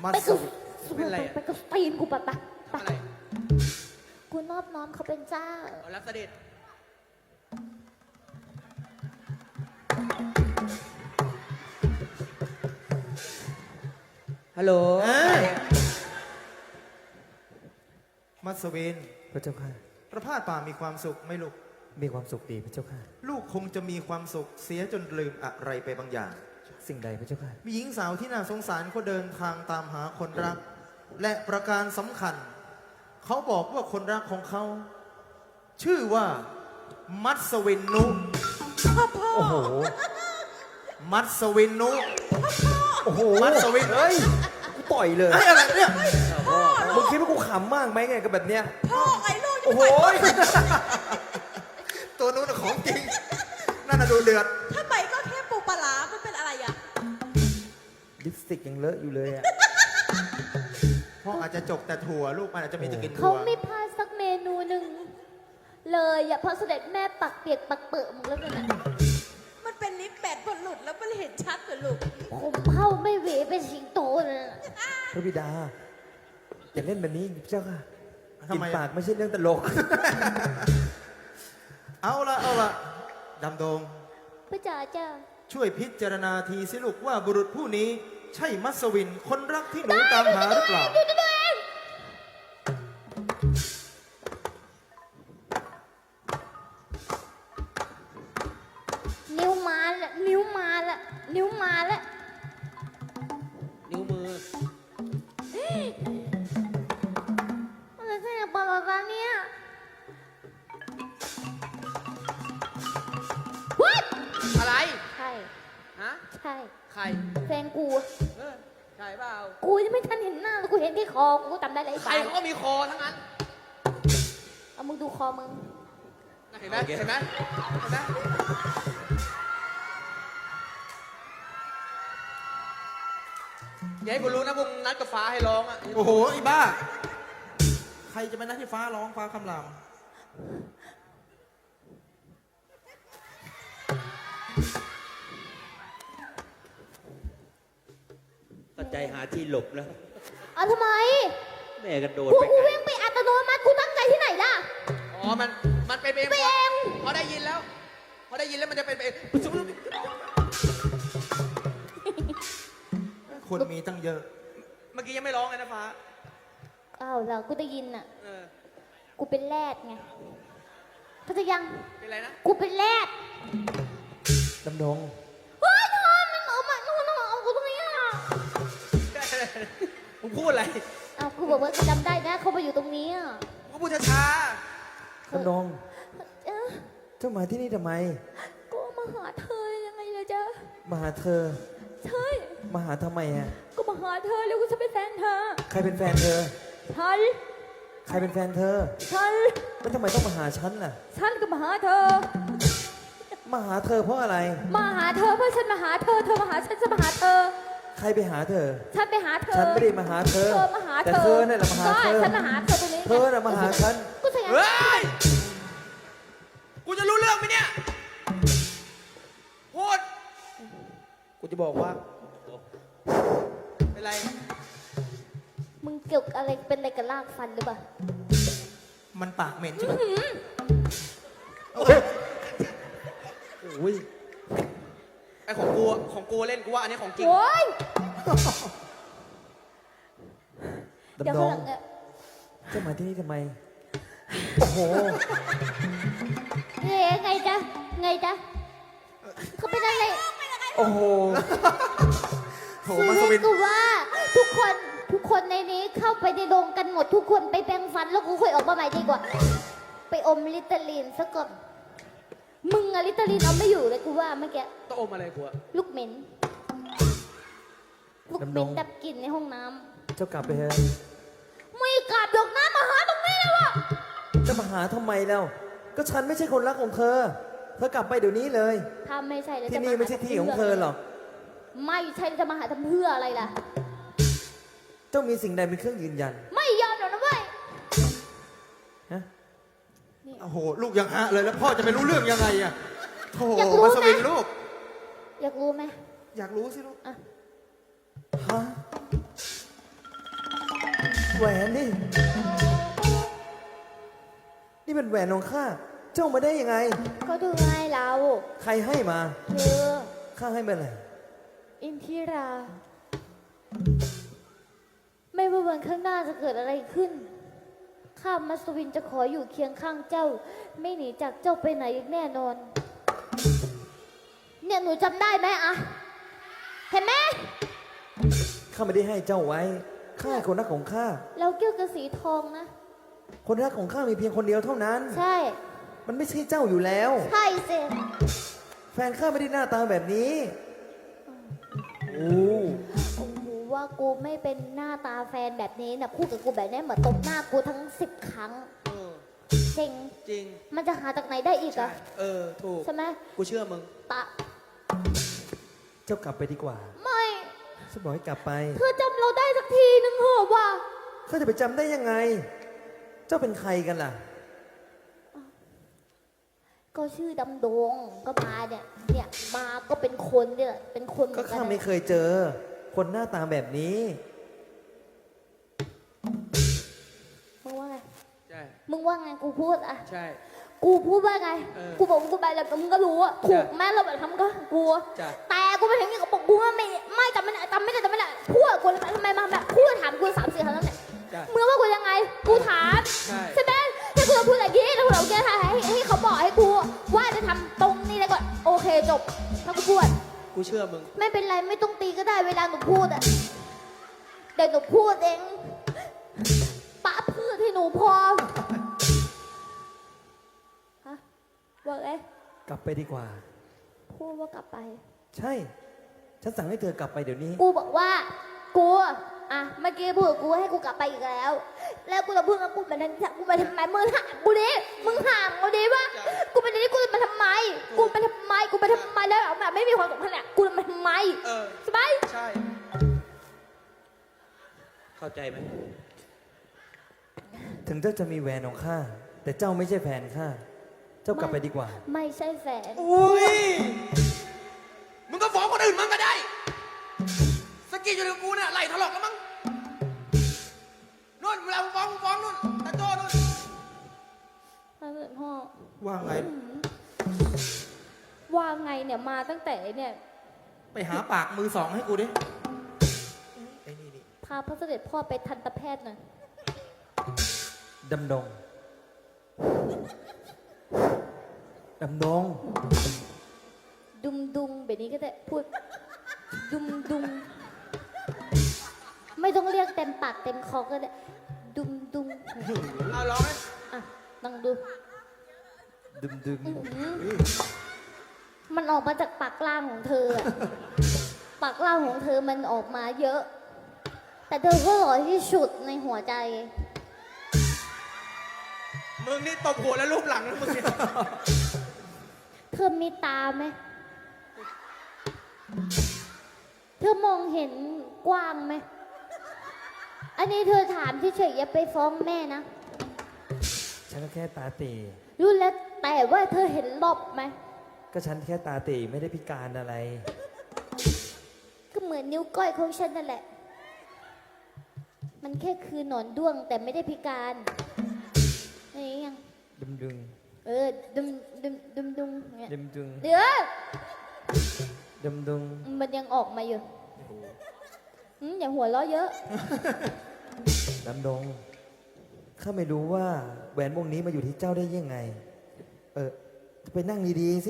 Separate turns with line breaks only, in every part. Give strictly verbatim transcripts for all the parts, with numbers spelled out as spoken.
ไปกับ
เป็นอะไร
ไปกับตีนกูปะปะ
ทำอะไร
กูนอบน้อมเขาเป็นเจ้า
เอารับเสด็จฮัลโหล
มัสวิน
พระเจ้าค่ะ
ประพาสป่ามีความสุขไหม่ลูก
มีความสุขดีพระเจ้าค่ะ
ลูกคงจะมีความสุขเสียจนลืมอะไรไปบางอย่าง
สิ่งใดพระเจ้าค่ะ
มีหญิงสาวที่น่าสงสารเขาเดินทางตามหาคนรัก และประการสำคัญ เขาบอกว่าคนรักของเขา ชื่อว่ามัสวินนุ
โอ้โห
มัสวินนุ
โอ้โห
มัสวิน
เฮ้ยกูต่อยเลย
ไอ้อะไรเนี่ย
มึงคิดว่ากูขำมากไหมไงกับแบบเนี้ย
พ่อไอ้ลูกจะ
โอ้โห
ไป
ตัวนู้นนะของจริงนั่นน่ะดูเดือด
ถ้าไปก็แค่ปูปลาร้ามันเป็นอะไรอ่ะ
ลิปสติกยังเลอะอยู่เลยอ่ะ
พ่ออาจจะจกแต่ถั่วลูกมันอาจจะมีจะกิน
เขา
ถั่ว
ไม่พลาดสักเมนูหนึ่งเลยอย่าพอเสด็จแม่ปักเปียกปักเปิดมึงแล้วกันนะ
มันเป็นนิดแบดพอหลุดแล้วมันเห็นชัดเลยลูก
ผมเข้าไม่เหวเป็นสิงโตเลยนะ
พระบิดา อย่าเล่นแบบนี้พระเจ้าค่ะ
ทำ
กิน
ไม
ปากไม่ใช่เรื่องตลก
เอาละเอาละดำดง
พระจ๋าจ้า
ช่วยพิจารณาทีสิลูกว่าบุรุษผู้นี้ ใช่มัสวินคนรักที่หนูตามหาหรือเปล่า
ดูดูดูเองนิ้วมาละนิ้วมาละนิ้วมาละ
นิ้วมือ
อะไรใช่ปลาปลาเนี่ยวัด
อะไร
ใช่
ฮะ
ใช่
ใคร
แฟนกู
เออใช่เปล่า
กูยังไม่ทันเห็นหน้าเลยกูเห็นที่คอกูจำได้เลยไอ้
ใคร
บ้า
เขาก็มีคอทั้งนั้น
เอามึงดูคอมึง
เห็นไหมเห็นไหมเห็นไหมอย่าให้กูรู้นะพวกมึงนัดกับฟ้าให้ร้องอ่ะ
โอ้โหไอ้บ้า ใครจะไปนัดที่ฟ้าร้องฟ้าคำราม
ก็ใจหาที่หลบแล้ว
เอาทำไม
แม่กระโดด
กู
ไป
กูเว้งไปอัตโนมัติกูตั้งใจที่ไหนล่ะ
อ๋อ มัน มันเป็นเอง
ไปเอง
พอได้ยินแล้ว พอได้ยินแล้วมันจะเป็นเอง
คนมีตั้งเยอะ
เมื่อกี้ยังไม่ร้องเลยนะฟ้า
อ้าวแล้วกูได้ยินอ่ะ
เออ
กูเป็นแรดไงเข้าใจยัง
เป็นไรนะ
กูเป็นแรด
ดำดง
เฮ้ยทอมมันเอามานู่นเอาเอากูตรงนี้อ่ะ
มึงพูดอะไร
อ้าวกูบอกว่าจำได้นะเขาไปอยู่ตรงนี้อ่ะ
มึงพูดช้า
ดำดง
เอ๊ะ
เจ้ามาที่นี่ทำไม
กูมาหาเธอยังไงล่ะจ๊ะ
มาหาเธอ
ใช่
มาหาทำไมอ่ะ
ก็มาหาเธอแล้วกูจะเป็นแฟนเธอ
ใครเป็นแฟนเธอ
ฉัน
ใครเป็นแฟนเธอ
ฉัน
แล้วทำไมต้องมาหาฉันล่ะ
ฉันก็มาหาเธอ
มาหาเธอเพราะอะไร
มาหาเธอเพราะฉันมาหาเธอ เธอมาหาฉันฉันมาหาเธอ
ใครไปหาเธอ
ฉันไปหาเธอ
ฉันไม่ได้มาหาเธอ
เธอมาหาเธอ
แต่เธอเนี่ยแหละมาหาเธอ
ใช่ฉันมาหาเธอตรงนี้
เธอน่ะมาหาฉัน
กูใช่
ๆ
ไง
เฮ้ย กูจะรู้เรื่องไหมเนี่ย พูด
กูจะบอกว่า
เป็นไร
มึงเกี่ยวอะไรเป็นอะไรกับลากฟันหรือเปล่า
มันปากเหม็นใช่ไหม
โอ้ย
ไอของกูอะของกูเล่นกูว่าอันนี้ของจริง
โอ้ยเดี๋ยว
ดำด
ข้าง
ง
หลังเนี่ย
เจ้ามาที่นี่ทำไม โอ้โห
เฮ้ยไงจ๊ะไงจ๊ะเขาเป็นอะไร
โอ้โห
โถ
คือ
มัสวิ
ให้
น
กูว่าทุกคนทุกคนในนี้เข้าไปในโรงกันหมดทุกคนไปแปรงฟันแล้วกูค่อยออกมาใหม่ดีกว่า ไปอมลิตาลีนซะก่อนมึงอะลิตาลีนเอาไม่อยู่เลยกูว่าเมื่อกี้
ต้องอมอะไรกูอะ
ลูกเหม็นลูกเหม็น
ดำดง
ดับกลิ่นในห้องน้ำ
เจ้ากลับไปเถอะ
ไม่กลับดอกน้ำมาหาตรงนี้แล้วอะ
จะมาหาทำไมแล้ว ก็ฉันไม่ใช่คนรักของเธอ เธอกลับไปเดี๋ยวนี้เลย
ถ้าไม่ใช่แล้ว
ที่
จะา
นี่ไม่ใช่ที่ของเธอหรอก
ไม่ใช่แล้วจะมาหาทำเพื่ออะไรล่ะ
เจ้ามีสิ่งใดเป็นเครื่องยืนยัน
ไม่ยอมหรอกนะเว้ย
ฮะ
โอ้โห ลูกยังฮะเลยแล้วพ่อจะไปรู้เรื่องยังไงอะโถ
อยากรู้
มัสวิน
นะ
ลูก
อยากรู้ไหม
อยากรู้สิลูก
อ่ะ
ฮะแหวนนี่ นี่เป็นแหวนของข้า เจ้ามาได้ยังไง
ก็ดูไงเรา
ใครให้มา
เธอ
ข้าให้มาไหน
อินทิรา ไม่ว่าวันข้างหน้าจะเกิดอะไรขึ้น ข้ามัสวินจะขออยู่เคียงข้างเจ้า ไม่หนีจากเจ้าไปไหนอีกแน่นอน เนี่ยหนูจำได้ไหมอะเห็นไหม
ข้าไม่ได้ให้เจ้าไว้ ข้าให้คนรักของข้า
แล้วเกี่ยวกับสีทองนะ
คนรักของข้ามีเพียงคนเดียวเท่านั้น
ใช่
มันไม่ใช่เจ้าอยู่แล้ว
ใช่สิ
แฟนข้าไม่ได้หน้าตาแบบนี้ โอ้
โอ้โหว่ากูไม่เป็นหน้าตาแฟนแบบนี้นะพูดกับกูแบบนี้เหมือนตบหน้ากูทั้งสิบครั้ง
เออ
เซ็ง
จริง
มันจะหาจากไหนได้อีก
ใช่
อะ
เออ ถูก
ใช่ไหม
กูเชื่อมึง
ตะ
เจ้ากลับไปดีกว่า
ไม่
ฉันบอกให้กลับไป
เธอจำเราได้สักทีนึงเหรอวะ
ข้าจะไปจำได้ยังไง เจ้าเป็นใครกันล่ะ
ก็ชื่อดำดงก็มาเนี่ย เนี่ยมาก็เป็นคนเนี่ยเป็นคนเห
ก็
มือนกั
ข้าน ไม่เคยเจอ คนหน้าตาแบบนี้
มึงว่าไง
ใช่
มึงว่าไงกูพูดอะ
ใช่
กูพูดว่าไง
เออ
กูบอกว่ากูไปแล้วมึงก็รู้อะถูกแม่เราแบบทำก็กู
จ้ะ
แต่กูไปถึงนี่ก็บอกกูว่าไม่ไม่จำไม่ได้จำไม่ได้จำไม่ได้พูดกับกูทำไมมาแบบพูดถามกูสามสี่ครั้งแล้วเนี่ย
จ้ะ
มึงว่ากูยังไง กูถาม
ใช่
ใช่ไหมถ้ากูจะพูดอะไรกี้ถ้ากูจะเอาแก้ให้ให้เขาบอกให้กูว่าจะทำตรงนี้แล้วก็โอเคจบถ้ากูพูด
กูเชื่อมึง
ไม่เป็นไรไม่ต้องตีก็ได้เวลาหนูพูดอะเดี๋ยวหนูพูดเองปะพืชให้หนูพอฮะว่าไง
กลับไปดีกว่า
พูดว่ากลับไป
ใช่ ฉันสั่งให้เธอกลับไปเดี๋ยวนี้
กูบอกว่ากูอ่ะเมื่อกี้พูดกับกูให้กูกลับไปอีกแล้ว แล้วกูจะพูดกับกูมาทำกูมาทำไมมึงห่างกูดิมึงห่างกูดิวะกูเป็นนี่กูจะมาทำไม กูมาทำไมกูมาทำไมแล้วแบบไม่มีความสัมพันธ์เนี่ยกูจะมาทำไม
เออ
ใช่ไหม
ใช่
เข้าใจไหม
ถึงเจ้าจะมีแหวนของข้า แต่เจ้าไม่ใช่แฟนข้า เจ้ากลับไปดีกว่า
ไม่ใช่แฟน
อุ้ย มึงก็ฟ้องคนอื่นมึงก็ได้ สกีอยู่กับกูเนี่ยไหลถลอกแล้วมั้งนู่นเวลามึงฟ้องมึงฟ้องนู่นตาโจ้นู่น
พ่อ
ว่าไง
ว่าไงเนี่ยมาตั้งแต่เนี่ย
ไปหาปากมือสองให้กูดิไอ้นี่นี่
พาพระเสด็จพ่อไปทันตแพทย์หน่อย
ดำดง ดำดง
ดุมดุมแบบนี้ก็ได้พูด ดุมดุมไม่ต้องเรียกเต็มปากเต็มคอก็ได้ดุมดุม
เอาร้องไหม
อ่ะลองดู
ดึมดึม
อื้อหือมันออกมาจากปากล่างของเธออะปากล่างของเธอมันออกมาเยอะ แต่เธอก็หล่อที่สุดในหัวใจ
มึงนี่ตบหัวแล้วลูบหลังแล้วมึงเนี่ย
เธอมีตาไหม เธอมองเห็นกว้างไหม อันนี้เธอถามที่เฉยๆอย่าไปฟ้องแม่นะ
ฉันก็แค่ตาตี
รู้แล้วแต่ว่าเธอเห็นรอบไหม
ก็ฉันแค่ตาตีไม่ได้พิการอะไร
ก็เหมือนนิ้วก้อยของฉันนั่นแหละ มันแค่คือหนอนด้วงแต่ไม่ได้พิการนี่ยัง
ดึมดึง
เออดุมดุมดุมดุมเนี่ย
ดึมดึง
เดี๋ยว
ดึมดึง
มันยังออกมาอยู่อืมอย่าหัวเราะเยอะ
ดำดง ข้าไม่รู้ว่าแหวนวงนี้มาอยู่ที่เจ้าได้ยังไง เออ ไปนั่งดีๆสิ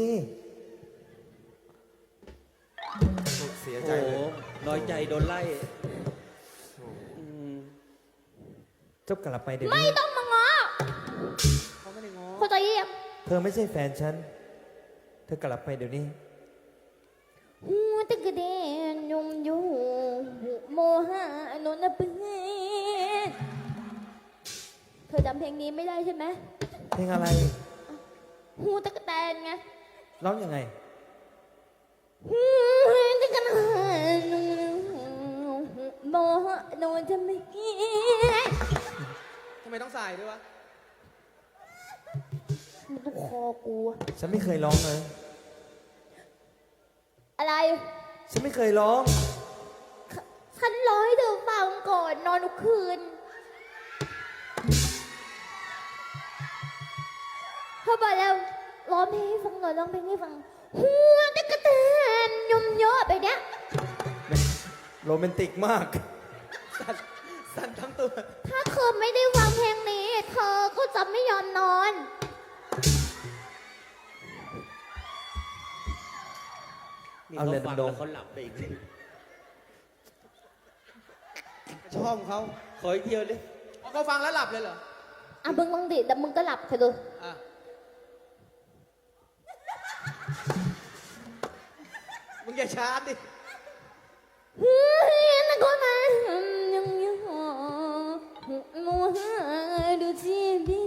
เสีย
โอ้
ใจ
โห
เลย
น้อยใจโดนไล่อืม
เจ้ากลับไปเดี๋ยว
ไม่
นี้
ต้องมาง้อ
เขาไม่ได้ง้อ
เข้าใจยัง
เธอไม่ใช่แฟนฉัน เธอกลับไปเดี๋ยวนี้
หัวตะกะเดนยมอยู่โมหะนนเปื้อนเธอจำเพลงนี้ไม่ได้ใช่ไหม
เพลงอะไร
หูตะกะแตนไง
ร้องยังไง
หูตะกะแตนโมหะนนจะไม่เกี่ย
ทำไมต้องใส่ด้วยวะ
มันต้องคอกู
ฉันไม่เคยร้องเลย
อะไร
ฉันไม่เคยร้อง
ฉันร้องให้เธอฟังก่อนนอนทุกคืนเขาบอกแล้วร้องเพลงให้ฟังหน่อยร้องเพลงให้ฟังหัวตะกะแตนยมเยอะไปเนี้ย
โรแมนติกมาก
สั่นทั้งตัว
ถ้าเธอไม่ได้ฟังเพลงนี้ เธอก็จะไม่ยอมนอน
นี่
เอา
เขา
เลย
ฟัง
ดำดง
แล้วเขาหลับไปอีกที
ชอบเขา
ขออีกเดียวเลย
เขาฟังแล้วหลับเลยเหรอ
อ่ะมึงมึงดิแต่มึงก็หลับเถอะดู
อ่ะ มึงอย่าชาร์จดิ
เฮ้ยนักก็มายังยังมัวดูจีบี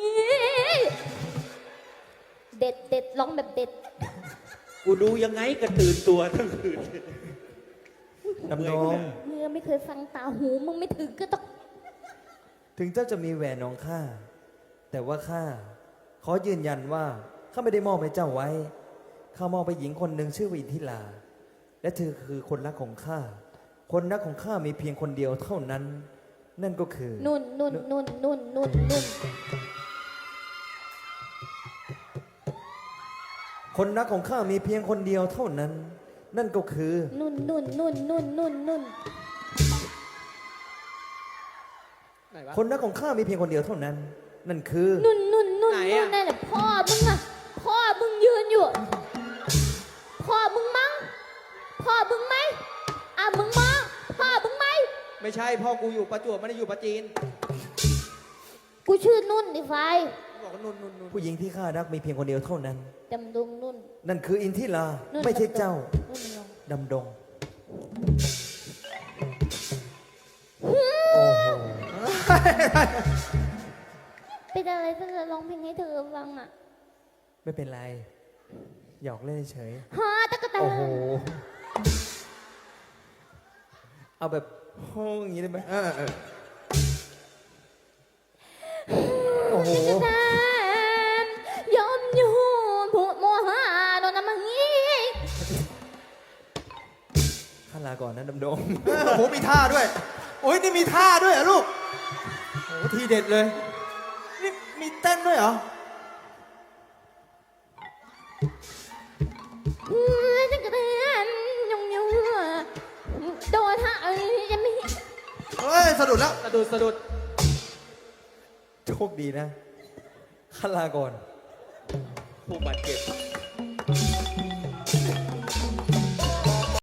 เด็ดเด็ดร้องแบบเด็ด
กูดูยังไงก็ตื่นตัวทั้งคืน
ดำดง
เมื่อไม่เคยฟังตาหูมึงไม่ถึงก็ต้อง
ถึงเจ้าจะมีแหวนของข้า แต่ว่าข้าขอยืนยันว่าข้าไม่ได้มอบให้เจ้าไว้ ข้ามอบไปหญิงคนหนึ่งชื่อว่าอินทิราและเธอคือคนรักของข้า คนรักของข้ามีเพียงคนเดียวเท่านั้น นั่นก็คือ
นุ่นนุ่นนุ่นนุ่นนุ่นนุ่น
คนรักของข้ามีเพียงคนเดียวเท่านั้น นั่นก็คือ
นุ่นนุ่นนุ่นนุ่นนุ่นนุ่น
ไหนวะ
คนรักของข้ามีเพียงคนเดียวเท่านั้น นั่นคือ
นุ่นนุ่นนุ่น
ไหน
นุ่
อะ
นนั่นแหละพ่อมึงอะพ่อมึงยืนอยู่ พ่อมึงมั้งพ่อมึงไหมอ่ะมึงมั้งพ่อมึงไหม
ไม่ใช่พ่อกูอยู่ประจวบไม่ได้อยู่ประจีน
กูชื่อนุ่นดิไฟ
บอกว่านุ่นนุ่นนุ่น
ผู้หญิงที่ข้ารักมีเพียงคนเดียวเท่านั้น
ดำดงนุ่น
นั่นคืออินทิรา
นุ่น
ไม่ใช่เจ้า
นุ่นลง
ดำดง
เป็นอะไรถ้าจะร้องเพลงให้เธอฟังอ่ะ
ไม่เป็นไร หยอกเล่นเฉย
ฮะตะกะแตน
โอ้โห เอาแบบโฮ้อย่างนี้ได้ไหม
เออเออ
โอ้โห
ตะกะแตนยอมอยู่ผูดโมหะโดนน้ำมันงี้
ข้าลาก่อนนะดำดง
เออโอ้โหมีท่าด้วย โอ้ยนี่มีท่าด้วยเหรอลูกโอ้โหทีเด็ดเลย นี่มีเต้นด้วยเหรอ
ตะกะแตนยองอยู่โดนฮะเอ้ยจะไม่
เฮ้ย สะดุดแล้ว
สะดุดสะดุด
โชคดีนะ ข้าลาก่อน
ผู้บาดเจ็บ